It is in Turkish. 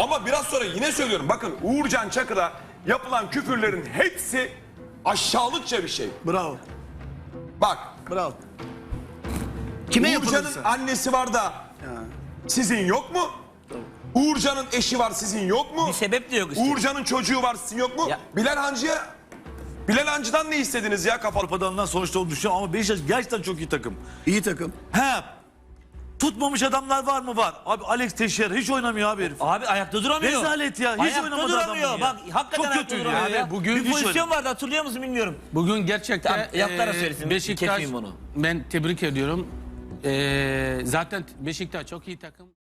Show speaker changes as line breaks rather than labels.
Ama biraz sonra yine söylüyorum. Bakın Uğurcan Çakır'a yapılan küfürlerin hepsi aşağılıkça bir şey.
Bravo.
Bak.
Bravo. Kime
Uğurcan'ın
yapılırsa.
annesi var da sizin yok mu? Uğurcan'ın eşi var, sizin yok mu?
Bir sebep de yok işte.
Uğurcan'ın çocuğu var, sizin yok mu?
Ya-
Bilal Hancı'dan ne istediniz ya kafalı?
Avrupa'dan sonuçta olduğunu düşünüyorum ama Beşiktaş gerçekten çok iyi takım.
İyi takım.
He. Tutmamış adamlar var mı? Var. Abi Alex Teixeira hiç oynamıyor abi herif.
Abi ayakta duramıyor.
Rezalet ya. Hiç
Ayakta
oynamadı
duramıyor.
adam ya.
Bak hakikaten
Çok
ayakta
kötüydü
duramıyor
ya.
ya.
Bugün
bir
hiç
pozisyon vardı, hatırlıyor musun bilmiyorum.
Bugün gerçekten
Tamam, yaplara söylesin,
Beşiktaş,
kesmeyeyim onu.
ben tebrik ediyorum. Zaten Beşiktaş çok iyi takım.